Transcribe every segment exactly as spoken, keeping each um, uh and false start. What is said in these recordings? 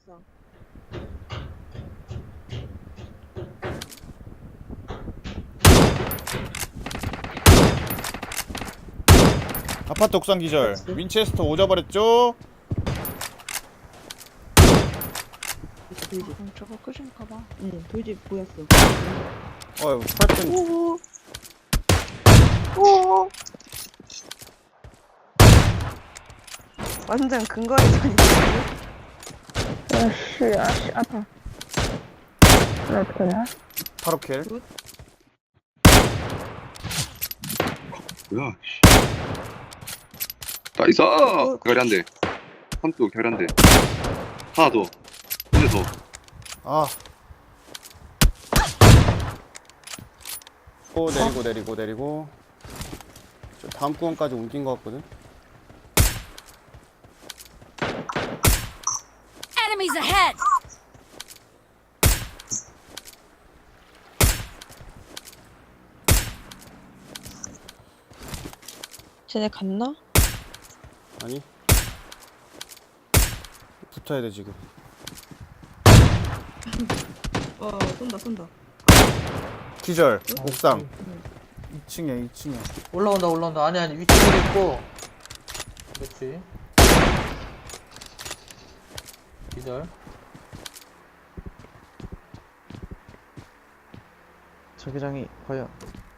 있어. 아파트 옥상 기절. 그치. 윈체스터 오져버렸죠? 돌집. 음, 저거 끝인가봐. 응, 돌집 보였어. 어휴, 프라이팬. 오오. 오. 완전 근거리전이지. 야씨, 아씨, 아파. 나 어떻게 하냐? 바로 킬. 뭐야, 씨. 나이스! 결이 한 대. 한쪽 결이 한 대. 하나 더. 한 대 더. 아. 오, 내리고 내리고 내리고. 저 다음 구간까지 옮긴 것 같거든. Enemies ahead! 쟤네 갔나? 아니. 붙어야 돼 지금. 어, 쏜다, 쏜다. 기절. 옥상. 이 층에 이 층에. 올라온다 올라온다. 아니 아니 위쪽에 있고. 그렇지. 기절. 자기장이 과연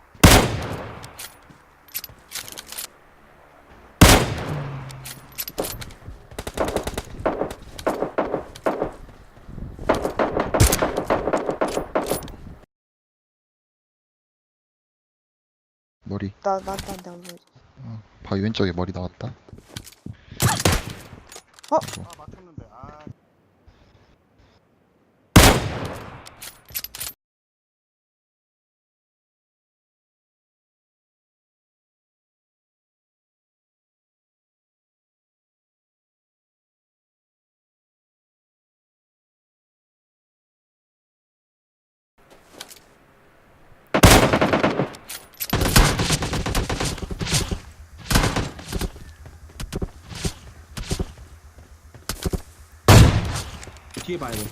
머리. 나, 나, 나, 나, 나. 어, 바위 왼쪽에 머리 나왔다. 어? 아, 맞췄는데. 아. 뒤에 봐야 돼.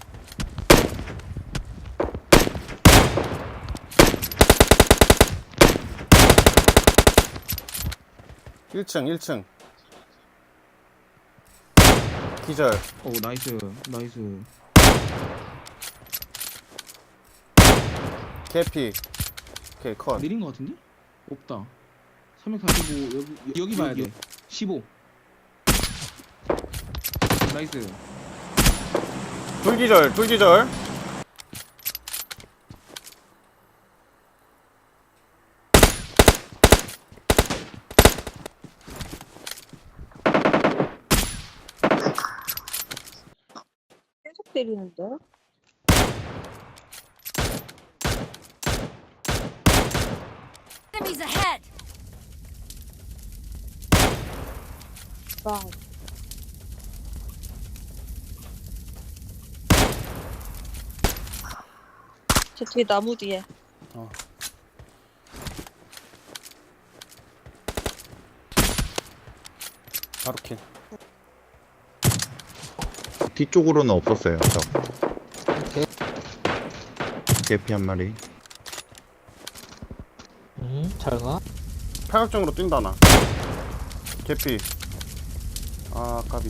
일 층 일 층. 기절. 오 나이스 나이스. 개피. 오케이 컷. 내린 거 같은데? 없다. 삼백사십오 여기 여기 봐야 돼. 십오. 나이스. 둘기절 둘기절. 계속 때리는데? Enemies ahead! 와. 저 뒤에 나무 뒤에. 어. 바로 킬. 뒤쪽으로는 없었어요. 저. 개피 한 마리. 응. 잘 가. 팔각정으로 뛴다 나. 개피. 아 까비.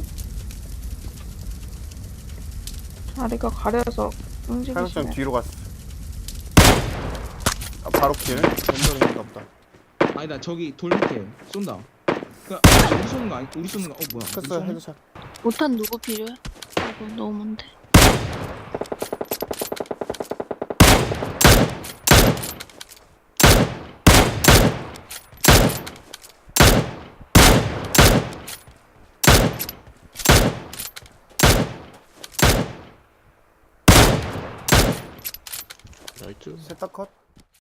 다리가 가려서 팔각정 움직이시네. 뒤로 갔어. 아 바로 킬. 왼쪽인가 보다. 아니다 저기 돌 밑에 쏜다. 그 우리 쏘는 거 아니? 우리 쏘는 거? 어 뭐야? 우리 됐어 쏘네? 헤드샷. 못한 누구 필요해? 이거 너무 먼데. 나이스. 셋다 컷.